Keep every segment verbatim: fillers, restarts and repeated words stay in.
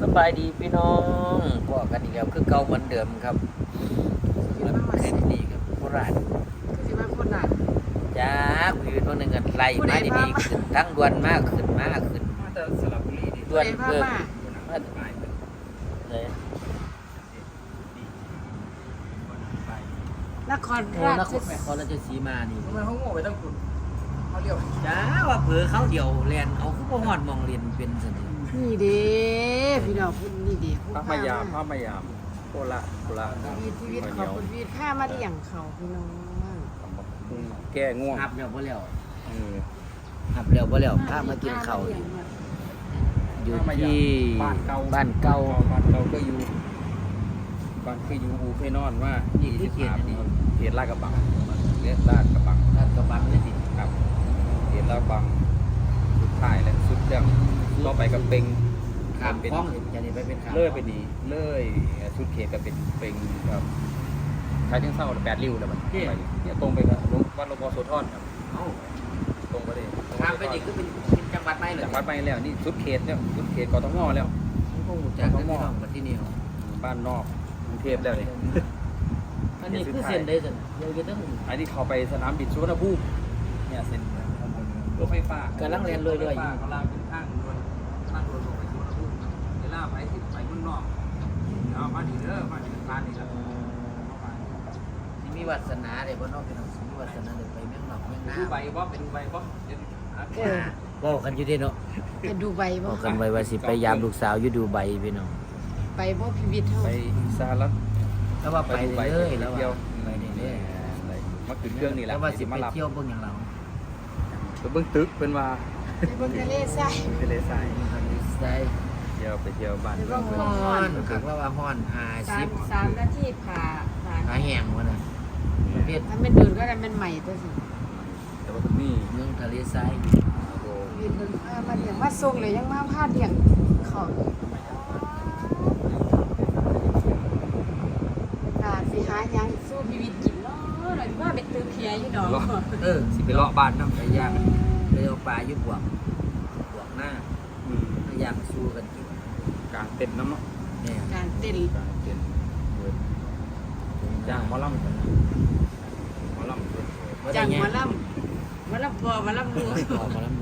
บายดีพี่น้องพวกกันอีกแล้วคือเก่าเหมือนเดิมครับแล้วแค่นี้ครับโคราชคือสิมาคนน่ะจ้าคุยตัวหนึ่งกันไล่มาดีๆขึ้นทั้งดวนมากขึ้นมากขึ้นมาแต่สระบุรีดิดวนไปเพิ่มมามาเลยนครโอ้รานชครนครราชสีมานี่ทำไมเขาโง่ไปตั้งคุณเขาเรียกจ้าว่าเผือเขาเดียวแลนเอาเขาก็หอดมองเรียนเป็นสนิทนี่เด้พี่น้องพูดนี่เด้พระมายามพระมายามโคละโคละชีวิตชีวิตขอบคุณชีวิตข้ามาที่อย่างเขาพี่น้องแก้ง่วงหับแล้วบ่แล้วเออหับแล้วบ่แล้วพามากินข้าวอยู่อยู่ที่บ้านเก่าบ้านเก่าบ้านเก่าก็อยู่บ้านก็อยู่อูเพนอนว่ายี่สิบสามเขตลาดกระบังเรียกลาดกระบังลาดกระบังเลยสิครับเขตลาดกระบังสุดท้ายและสุดเรื่องต่อไปกับเป็งข้ามเป็นคลองจะนี่ไปเป็นข้ามเลื่อยไปนี่เลื่อยสุดเขตก็เป็นเป็งครับใช้ทั้งเศร้าแปดริ้วแล้วมันไปเนี่ยตรงไปกับวัดหลวงพ่อโสธรครับเอ้าตรงไปเลยข้ามไปนี่คือเป็นเป็นจังหวัดใหม่เลยจากวัดไปแล้วนี่สุดเขตแล้วสุดเขตกทมแล้วผมคงรู้จักกันพี่น้องกันที่นี่บ้านนอกกรุงเทพแล้วนี่อันนี้คือเส้นได้สิเดี๋ยวจะต้องอันนี้เขาไปสนามบินสุวรรณภูมิเนี่ยเส้นรถไฟฟ้ากำลังเรียนเลยเลยอยู่เขาลากเป็นทางด่วนทางด่วนลงไปสุวรรณภูมิเวลาไปสิไปเมืองนอกเอามาดีเด้อมาดีร้านนี้ครับที่มีวาสนาเลยบ่น้องพี่น้องสิมีวาสนาเลยไปเมืองนอกเมืองนาดูใบบ่เป็นดูใบบ่เดี๋ยวหาเออบอกกันอยู่เด้เนาะไปดูใบบ่บอกกันไว้ว่าสิไปยามลูกสาวอยู่ดูใบพี่น้องไปบ่พิวิทเฮาไปสหรัฐแล้วว่าไปดูใบเลยไปแล้วเที่ยวไปเรื่อยมาขึ้นเครื่องนี่แหละแล้วว่าสิมาไปรับเที่ยวเบิ่งอย่างเราไปเบิ่งตึกเป็นว่าไปเบิ่งทะเลทรายทะเลทรายได้เที่ยวไปเที่ยวบ้านไปเบิ่งฮ้อนคือว่าว่าฮ้อนสามห้าสิบสามนาทีผ่าผ่าหาแห้งวะน่ะประเภทถ้าไม่เดินก็ได้มันใหม่ตัวสิแต่ว่านี่เมืองทะเลทรายโอ้ยืนเบิ่งพามาเลี้ยงมาส่งเลยยังมาพาเลี้ยงเขาอ่าสิหาหยังสู้ชีวิตกินเนาะหน่อยว่าเป็นตื้อเพียอยู่ดอกเออสิไปเลาะบ้านน้ำไปย่างไปเอาปลาอยู่บวกบวกหน้าอืมไปย่างสู้กันกินกลางเต็นท์น้ำเนาะเนี่ยการเต้นกลางเต็นท์เปิดจ้างหมอลำกันหมอลำเปิดจังหมาล่ำหมาล่ำพอหมาล่ำรู้ออกมาแล้วหมู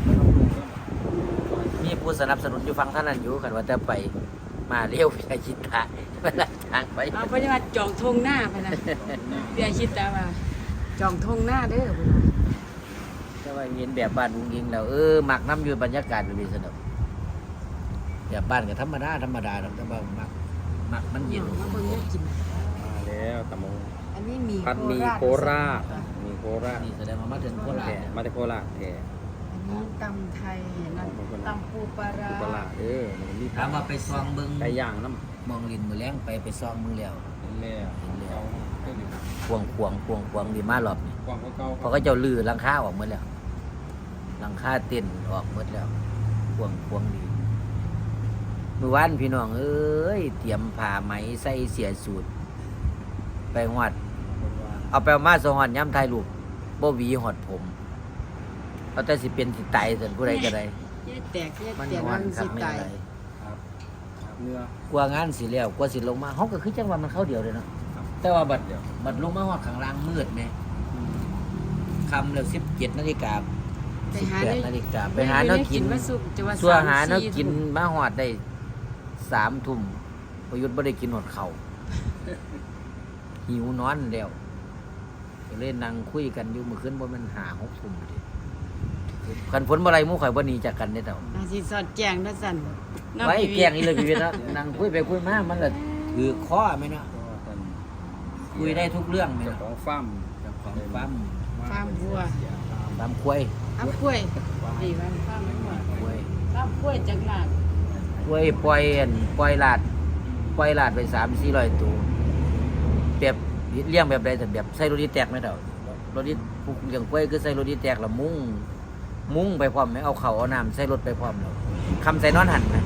มีผู้สนับสนุนอยู่ฟังท่านนั้นอยู่กันว่าแต่ไปมาเร็วพิธาชิตาเวลาทางไปเอาเพราะว่าจองทงหน้าไปนะเบียคิดแต่ว่าจองทงหน้าเด้อพุ่นน่ะแต่ว่าเห็นแบบบ้านลุงยิงแล้วเออมักน้ำอยู่บรรยากาศมันดีสนุกแบบบ้านก็ธรรมดาธรรมดาแต่ว่ามักมักมันเย็นมาเบิ่งได้กินมาแล้วตะมงอันนี้มีพัดมีโคราชมีโคราชนี่แสดงว่ามาถึงโคราชแก่มาจากโคราชแก่อันนี้ตำไทยนั่นตำปูปลาร้าโคราชเออมันมีถามว่าไปซองเบิ้งไก่ย่างน้มองลินมือแรงไปไปซองมึงแล้วำแล้วเอาเครื่องดื่มควงควงควงควงดีมากหรอบนี่กว้างเก่าเพราะก็เจ้าลือหลังคาออกหมดแล้วหลังคาเต้นออกหมดแล้วควงควงดีเมื่อวานพี่น้องเอ้ยเตรียมผ้าไหมใส่เสียสูตร ไปหอด เอาไปเอามาสองหอดย้ำไทยลูกบ่หวีหอดผมเอาแต่สิเป็นสิตายส่วนผู้ใดก็ได้แยกแตกแยกมันแตกหอมัดนครับสิไม่ตายอะไรครับเนื้อกลัวงานสิแล้วกลัวสิลงมาเฮาก็คือจังว่ามันเข้าเดียวเลยเนาะแต่ว่าบัดบัดลงมาฮอดข้างล่างมืดแหมคำแล้วสิบเจ็ดนาฬิกาไปสิบหาแปดได้นาฬิกาไปหาแนวกินมาสุกจะว่าสัวหาแนวสมสี่กินทุ่มมาฮอดได้สามทุ่มประยุทธ์บ่ได้กินหอดข้าวหิวนอนแล้วก็เลยนั่งคุยกันอยู่เมื่อคืนบ่แม่นห้าหกทุ่มติคันฝนบ่ไหลหมู่ข่อยบ่หนีจากกันเด้เต่าอาสิสอดแจงนะสั่นน้ำไว้พีวีแกล้งอีเลยพี่เวทนะนั่งคุยไปคุยมามันละถือข้อไหมเนาะคุยได้ทุกเรื่องไหมเจ้าเนาะของฟาร์มเจ้าของปั๊มฟาร์มวัวปั๊มควยอ้าวกล้วยดีว่าฟาร์มวัวควยฟาร์มกล้วยจังหวัดควยปล่อยอันปล่อยลาดปล่อยลาดไปสามสี่ร้อยตัวแบบเลี้ยงแบบใดแต่แบบใส่รถดีแตกไหมเต่ารถดีผูกอย่างควยคือใส่รถดีแตกแล้วมุ้งมุ้งไปพร้อมไหมเอาเข่าเอาน้ำใส่รถไปพร้อมแล้วคำใส่นอนหันไหม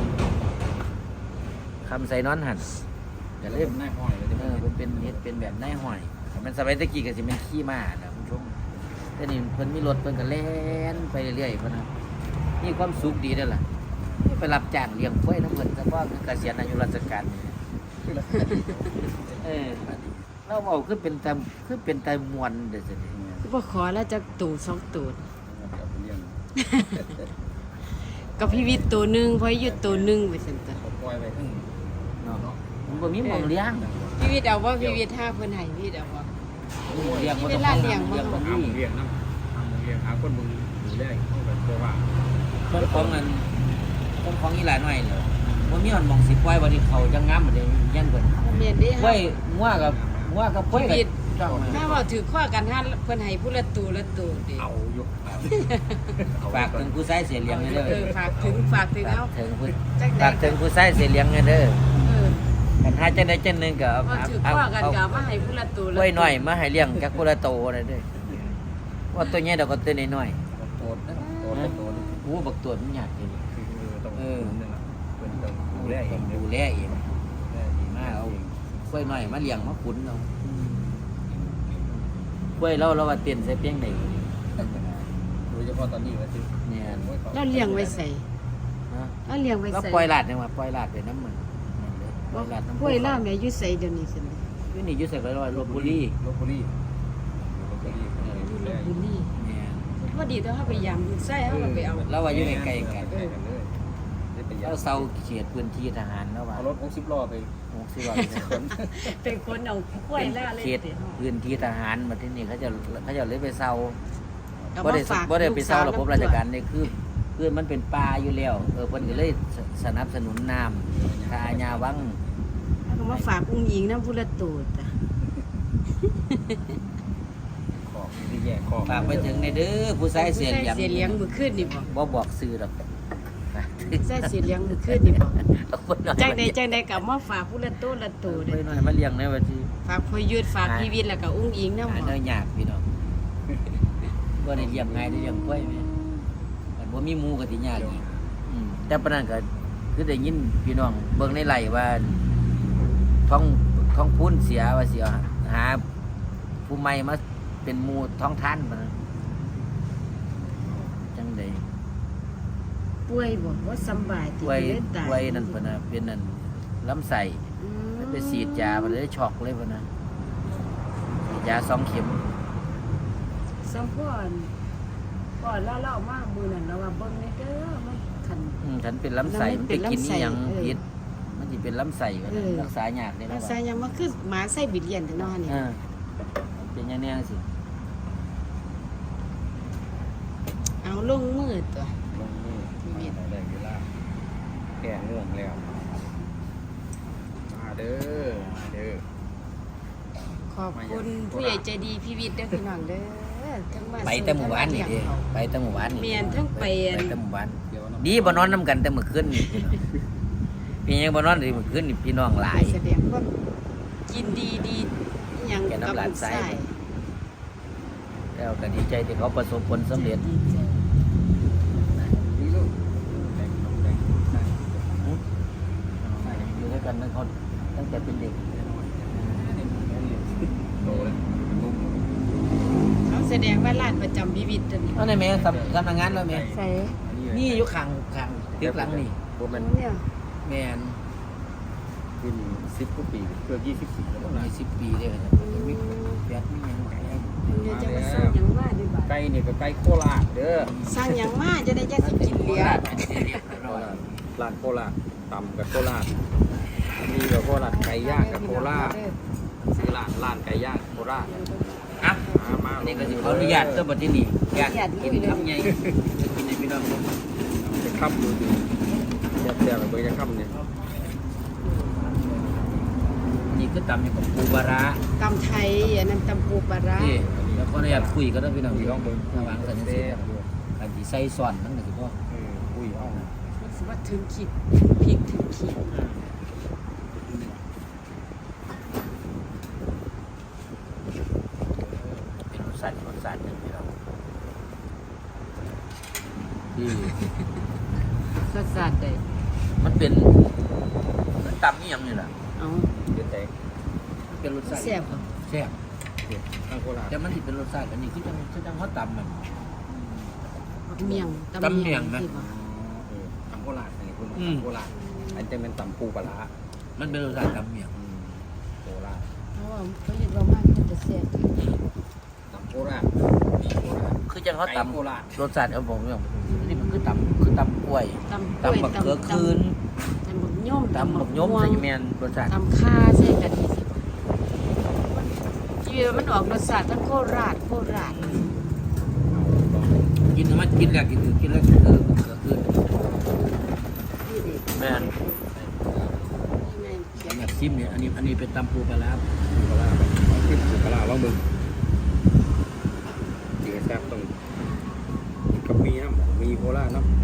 คำใส่นอนหันอย่าเล่นหน้าห้อยเลยเออมันเป็นเฮ็ดเป็นแบบนายห้อยแต่มันสมัยตะกี้ก็สิเป็นขี้ม้านะคุณผู้ชมแต่นี่เพิ่นมีรถเพิ่นก็แล่นไปเรื่อยๆเพิ่นนะมีความสุขดีเด้อล่ะมีบไปรับจ้างเลี้ยงกล้วยน้ำเพิ่นซะบ่คือเกษียณอายุราชการนี่เออเราเอาคือเป็นแต่คือเป็นแต่มวนเด้อซั่นนี่บ่ขอแล้วจะตูสองตูดเอาไปเลี้ยงกับพี่วิทย์ตัวหนึงพออยู่ตัวหนึงไปซั่นตะเขาปล่อยไปทั้งเนาะมันบ่มีหม่องเลี้ยงพี่วิทย์เอาบ่พี่วิทย์ห้าเพิ่นให้พี่วิทย์เอาบ่เลี้ยงบ่เวต้องลาเลี้ยงบ่เลี้ยงบ่หามีหมูเลี้ยงน้ำหาหมูเลี้ยงหาคนมึงดูแลเขาแบบเพราะว่าคนของอันคนของอีหลาน้อยเหรอบ่มีมันหม่องสิปล่อยบ่นี่เขาจังงามบ่ได้ยังเพิ่นแม่นเด้กล้วยงัวกับงัวกับกล้วยกับจ้องถ้าเว้าถือข้อกันห้าเพิ่นให้ผู้ละตูละตูดิเอาอยู่ฝากถึงผู้ชายเสียเลี้ยงเด้อเออฝากถึงฝากถึงเอาถึงผู้จักใดฝากถึงผู้ชายเสียเลี้ยงเด้อเออกันหาจังได๋จังหนึงก็เอาว่าถือเอาข้อกันเอาก็เอามาให้ผู้ละตูกละล้วยน้อยมาให้เลี้ยงจักผู้ละโตนั่นเด้อว่าตัวใหญ่ดอกก็ตัวน้อยโตดนะโตดโตดๆโอ้บักตัวมันยากจริงคือต้องนั่นแหละเป็นต้องดูแลเองดูแลเองมาเอากล้วยน้อยมาเลี้ยงมาขุนเอากล้วยเราเราว่าเต้นใส่เปียงได้โดยเฉพาะตอนนี้ว่าคือเนี่ยแล้วเลี้ยงไว้ใส่ฮะแล้วเลี้ยงไว้เราใส่ปล่อยลาดจังว่าปล่อยลาดไปน้ำมันปล่อยลาดน้ำกล้วยล่าแม่อยู่ใส่เดี๋ยวนี้ซั่นอยู่นี่อยู่ใส่ร้อยลบบุรีลบบุรีลบบุรีอยู่ดูลแลพบุรีเนี่ยพอดีถ้าเฮาไปยามอยู่ใส่เฮาก็ไปเอาเราว่าอยู่ใกล้ๆกันเลยได้ไปยาเราเซาเขตพื้นที่ทหารแล้วว่าเอารถหกสิบล้อไปหกสิบว่าขนเป็นคนเอากล้วยล่าเลยเขตติพื้นที่ทหารมาที่นี่เขาจะเขาจะเลยไปเซาเอาบ่มาได้ฝากบ่ได้ไปเซาลูระกบบราชการนี่คือคือมันเป็นป่าอยู่แล้วเออเพิ่นก็เลยสนับสนุนน้ำทาญาวังเอามาฝากอุ้งหญิงนำผู้ละตูดจ้ะขอบที่แย่ขอบฝากไปถึงในเด้อผู้ชายเสียเสีเลี้ยงยเลี้ยงมื้อคืนนี่บ่บ่บอกซื้อดอกใส่เสียเลี้ยงมื้อคืนนี่บ่เอาคนน้อยจังใดจังใดก็เอามาฝากผู้ละตูละตูไปเด้อหน่อยมาเลี้ยงในวันที่ฝากพ่อยุทธฝากพี่วิทย์แล้วก็อุ้งอิงนำหาบ่เนื้อยากพี่น้องบ่ได้เลี้ยงง่ายได้เลี้ยงกล้วยแม่แต่บ่มีหมูก็สิยากอีกอืมแต่ปานนั้นก็คือได้ยินพี่น้องเบิ่งในไร่ว่าท้องท้องพูนเสียว่าสิเอาหาผู้ใหม่มาเป็นหมู่ท้องท่านบ่นะจังได๋ป่วยบ่บ่สำบายติกล้วยเลยตายกล้วยนั่นเพิ่นน่ะเป็นนั่นลำไส้อืมไปฉีดยามันเลยช็อกเลยพุ่นน่ะฉีดยาสองเข็มสมพรก่อนแล้วเราเอามามื้อนั้นเราว่าเบิ่งในเด้อมันคันอืมฉันเป็นลำไส้แล้วมัมันนไปเป็นกินลำไส้นี่ยังเออพิษมันจะเป็นลำไส้วะเอนะอรักษายากเลยแล้นะวใส่ยังมาคือหมาใส่บิดเลียนแต่นอนนี่อ่าเป็นอยังแน่สิเอาลงมือตัวลงนี่มาได้เวลาแก่ง่วงแล้วมาเด้อมาเด้อขอบคุณผู้ใหญ่ใจดีพี่วิทย์เด้อพี่น้องเด้อทั้งมาไปแต่หมู่บ้านนี่เด้ส่งไปแต่หมู่บ้านนี่เมียนทั้งไปอันไปแต่หมู่บ้านเดี๋ยวดีบ่นอนน้ำกันแต่เมื่อคืนนี่พี่น้องเป็นยังบ่นอนเลยเมื่อคืนนี่พี่น้องหลายแสดงความยินดีดีอิหยังแกน้ำกับลายลูกใส่ชายแล้วก็ดีใจที่เขาประสบผลสำเร็จดีใจนี่ลูกแดงแดงได้อยู่ด้วยกันตั้งเขาตั้งแต่เป็นเด็กโตแล้วลูกเขาแสดงว่าร้านประจำพี่วิทย์ตัวนี้เอาในแม่ทำทำงานแล้วแม่ใส่นี่อยู่ข้างข้างตึกหลังนี่พวกมันเนี่ยแม่นขึ้นสิบกว่าปีเกือบยี่สิบปีแล้วมีสิบปีเลยครับมีแปดมีหยังไงเดี๋ยวจะมาสร้างหยังมาดีบ่าไก่นี่ก็ไก่โคราชเด้อสร้างหยังมาจะได้จะสิกินเหลือร้านโคราชตำกับโคราชมีกับโคราชไก่ย่างกับโคราชซื้อร้านร้านไก่ย่างโคราชอ่ะมามาอันนี้ก็สิขออนุญาตเจ้าบัดที่นี่อยากกินคำใหญ่จะกินในพี่น้องจะค่ำดูดิเดี๋ยวเดี๋ยวไปจะค่ำเนี่ยนี่คือตำอยู่กับปูปลาร้าตำไทยอันนั้นตำปูปลาร้าที่แล้วขออนุญาตคุยก็ได้พี่น้องมีร้องเบิ้งระหว่างกันสิกันสิใส่ซ่อนนั่นก็สิพ่ออุ้ยอ้อรู้สึกว่าถึงขีดพริกถึงขีดเป็นรสชาติรสชาติหนึงพี่น้องที่สดสดได้มันเป็นมันตำนี่ยังนี่ล่ะเอาเดี๋ยวแต่มันเป็นรสชาติแซ่บบ่แซ่บทางโคราชแต่มันสิเป็นรสชาติอันนี้คือจังคือจังเขาตำมันเมียงตำเมี่ยงนะที่บ่ทางโคราชนี่คุณอืมโคราชอันจะเป็นตำปูปลาร้ามันเป็นรสชาติตำเมียงอืมโคราชเพราะว่าเขาเห็นว่ามากมันจะแซ่บตำโคราชมีโคราชคือจังเขาไก่ตำโคราชรสชาติเอาผมอย่างนี่มันคือตำคือตำกล้วยตำกล้วยตำบักเขือคืนตำบักย่อมตำบักยมใส่แมนรสชาติตำข้าใส่กะทิสิที่มันออกรสชาติทั้งโคราชโคราชกินมันกินแล้วกินกินแล้วเออเขือคืนนี่เด็กแมนนี่ไงเขียนแบบซิมเนี่ยอันนี้อันนี้เป็นตำปูปลาร้าปูปลาร้าต้องขึ้นปูปลาร้าลองมึงจีแซ่บต้องกับมีน้ำมีโคราชน้ำ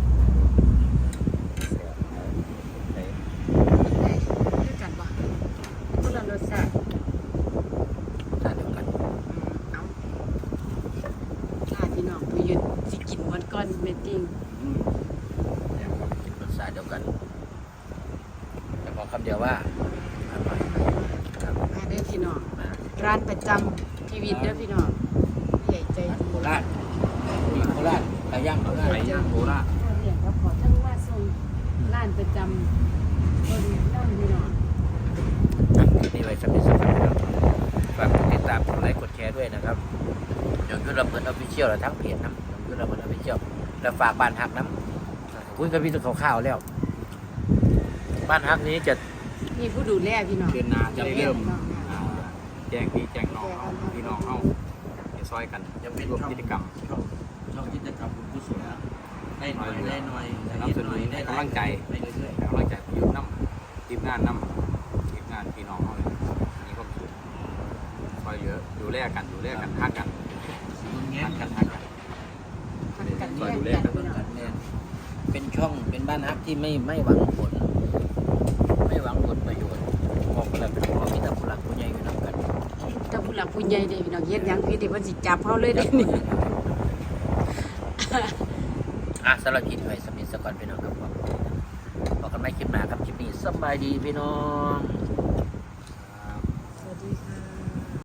แซ่บไหนด้วยกันปะคนละรสชาติรสชาติเดียวกันเอาข้าพี่น้องผู้หยุดสิกินวันก้อนเมตติ้งอืมแซ่บครับรสชาติเดียวกัน แต่บอกคำเดียวว่าอร่อยครับมาเด้อพี่น้องมาร้านประจำพีวิทย์เด้อพี่น้องใหญ่ใจดีโคราชมีโคราชไก่ย่างโคราชไก่ย่างโคราชพ่อเลี้ยงก็ขอทั้งว่าส่งร้านประจำคนนั่งพี่น้องนี่ไว้สำหรับสำหรับครับฝากกดติดตามกดไลค์กดแชร์ด้วยนะครับยงยุทธระเบิดออฟฟิเชียลและทั้งเพจนะยงยุทธระเบิดออฟฟิเชียลและฝากบ้านฮักน้ำคุยกับพี่ตัวข่าวๆแล้ว บ้านฮักนี้จะนี่ผู้ดูแลพี่น้องเดือนหนาจะได้เริ่มน้องอ่าแจ้งพี่แจ้งน้องเอาพี่น้องเอาไปซอยกันจะเป็นร่วมช่องกิจกรรมช่องช่องกิจกรรมคุณกุศลได้หน่อยได้หน่อยนำเสนอให้กำลังใจไปเรื่อยให้กำลังใจพี่น้ำทีมงานน้ำทีมงานพี่น้องเขาเลยมีความสุขซอยเหลือดูแลกันดูแลกันทักกันๆสีเงี้ยทักกักัน นทัทักกกักัน นกันซอยเรียดูกแลกันกันพี่น้องแน่เป็นช่องเป็นบ้านฮักที่ไม่ไม่หวังผล ไม่หวังผลประโยชน์มองไปแล้วเป็นพ่อมีแต่ผู้หลักผู้ใหญ่อยู่นำกันถ้าผู้หลักผู้ใหญ่เด้พี่น้องเฮ็ดหยังพี่ที่เพิ่นสิจับเฮาเลยเด้นี่อ่ะสำหรับคลิปไว้สมิธสกอนพี่น้องครับผมบอกกันไม่คลิปหน้าครับคลิปนี้สบายดีพี่น้อง